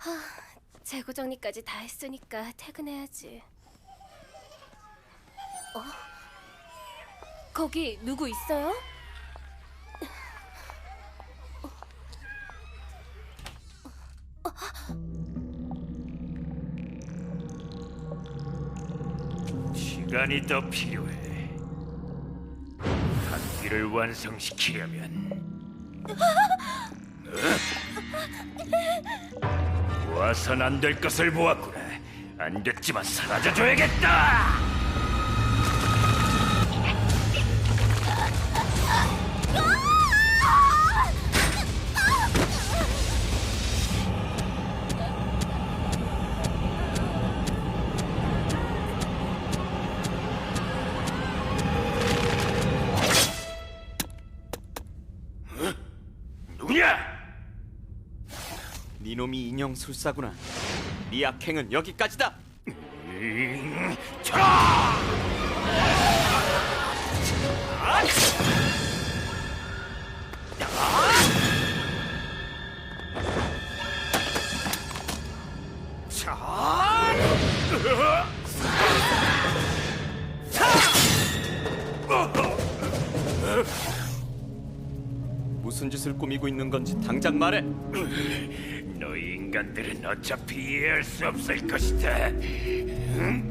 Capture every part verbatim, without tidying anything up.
재고 정리까지 다 했으니까 퇴근해야지. 어? 거기 누구 있어요? 시간이 더 필요해. 학기를 완성시키려면 어? 모아선 안 될 것을 모았구나. 안 됐지만 사라져줘야겠다. 니놈이 인형술사구나. 네 악행은 여기까지다. 음, 자! 무슨 짓을 꾸미고 있는 건지 당장 말해. 너희 인간들은 어차피 이해할 수 없을 것이다. 응?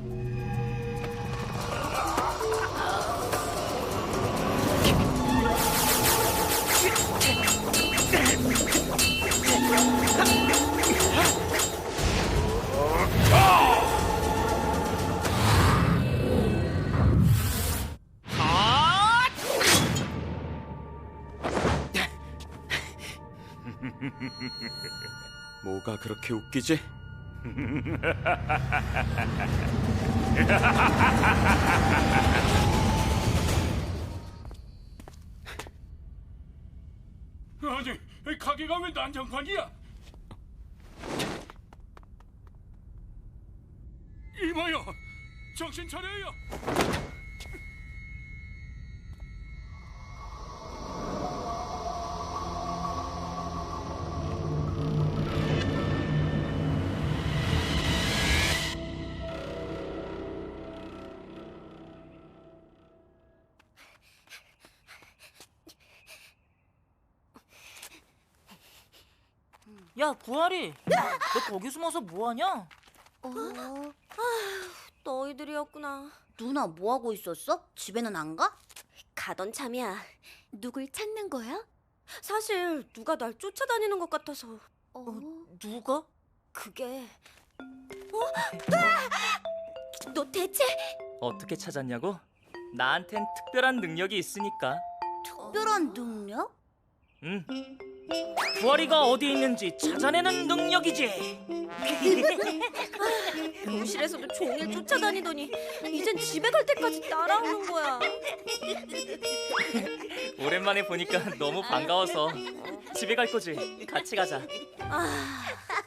뭐가 그렇게 웃기지? 아니, 가게가 왜 난장판이야? 이봐요, 정신 차려요. 야, 구하리, 너 거기 숨어서 뭐하냐? 어... 아휴, 너희들이었구나. 누나 뭐하고 있었어? 집에는 안 가? 가던 참이야. 누굴 찾는 거야? 사실 누가 날 쫓아다니는 것 같아서. 어? 누가? 그게... 어? 아! 너 대체... 어떻게 찾았냐고? 나한텐 특별한 능력이 있으니까. 특별한 능력? 응. 구하리가 어디 있는지 찾아내는 능력이지. 교실에서도 종일 쫓아다니더니 이젠 집에 갈 때까지 따라오는 거야. 오랜만에 보니까 너무 반가워서. 집에 갈 거지? 같이 가자. 아...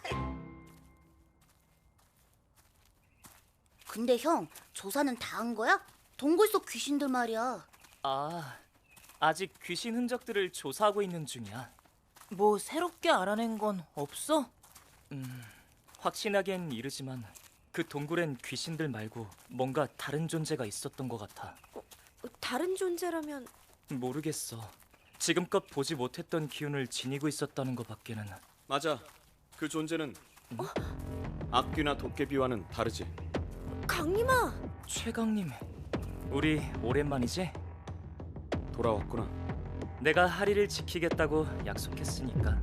근데 형, 조사는 다 한 거야? 동굴 속 귀신들 말이야. 아, 아직 귀신 흔적들을 조사하고 있는 중이야. 뭐 새롭게 알아낸 건 없어? 음, 확신하기엔 이르지만 그 동굴엔 귀신들 말고 뭔가 다른 존재가 있었던 것 같아. 어, 다른 존재라면... 모르겠어. 지금껏 보지 못했던 기운을 지니고 있었다는 것밖에는. 맞아. 그 존재는 어? 악귀나 도깨비와는 다르지. 강림아! 최강님, 우리 오랜만이지? 돌아왔구나. 내가 하리를 지키겠다고 약속했으니까.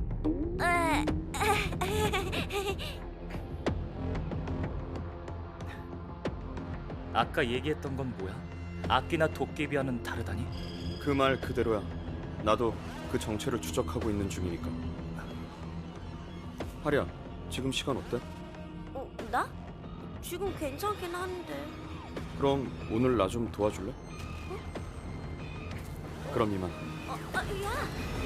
아까 얘기했던 건 뭐야? 악귀나 도깨비와는 다르다니? 그 말 그대로야. 나도 그 정체를 추적하고 있는 중이니까. 하리야, 지금 시간 어때? 어, 나? 지금 괜찮긴 한데. 그럼 오늘 나 좀 도와줄래? 어? 그럼 이만. 어, 아, 야!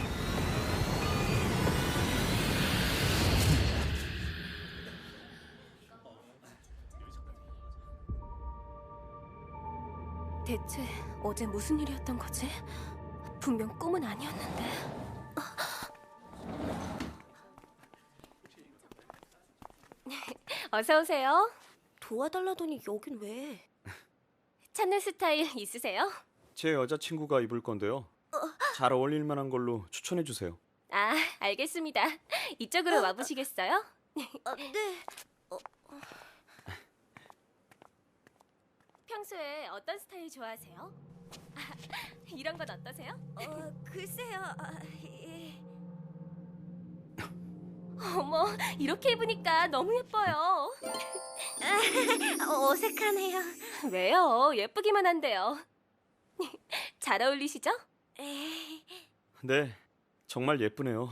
대체 어제 무슨 일이었던 거지? 분명 꿈은 아니었는데. 어서 오세요. 도와달라더니 여긴 왜? 찾는 스타일 있으세요? 제 여자친구가 입을 건데요. 잘 어울릴 만한 걸로 추천해 주세요. 아, 알겠습니다. 이쪽으로 와보시겠어요? 아, 네. 평소에 어떤 스타일 좋아하세요? 아, 이런 건 어떠세요? 어, 글쎄요. 아, 예. 어머, 이렇게 입으니까 너무 예뻐요. 아, 어색하네요. 왜요? 예쁘기만 한데요. 잘 어울리시죠? 에이. 네, 정말 예쁘네요.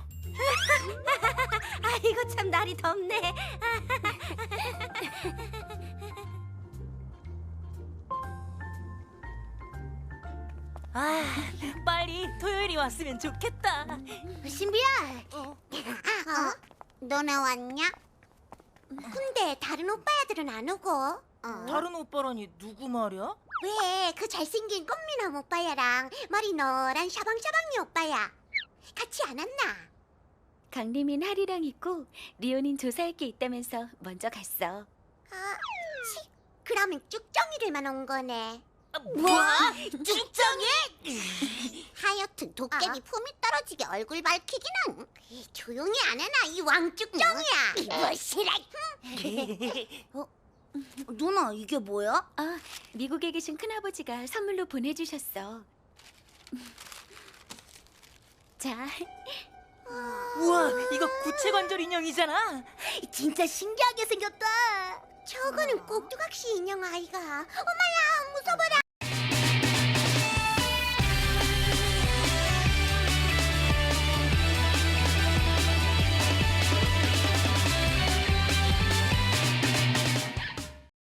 아이고 참 날이 덥네. 아, 빨리 토요일이 왔으면 좋겠다. 신비야, 어? 너네 왔냐? 근데 다른 오빠야들은 안 오고? 어? 다른 오빠라니 누구 말이야? 왜? 그 잘생긴 꽃미남 오빠야랑 머리 노란 샤방샤방이 오빠야 같이 안 왔나? 강림인 하리랑 있고 리오닌 조사할 게 있다면서 먼저 갔어. 아, 치, 그러면 쭉정이들만 온 거네. 뭐? 쭉정이? 하여튼 도깨비 품이 떨어지게 얼굴 밝히기는 조용히 안 하나 이 왕쭉정이야. 뭐 싫어. 어? 누나 이게 뭐야? 아, 미국에 계신 큰아버지가 선물로 보내주셨어. 자, 우와, 이거 구체관절 인형이잖아. 진짜 신기하게 생겼다. 저거는 꼭두각시 인형 아이가. 어머야 무서워라.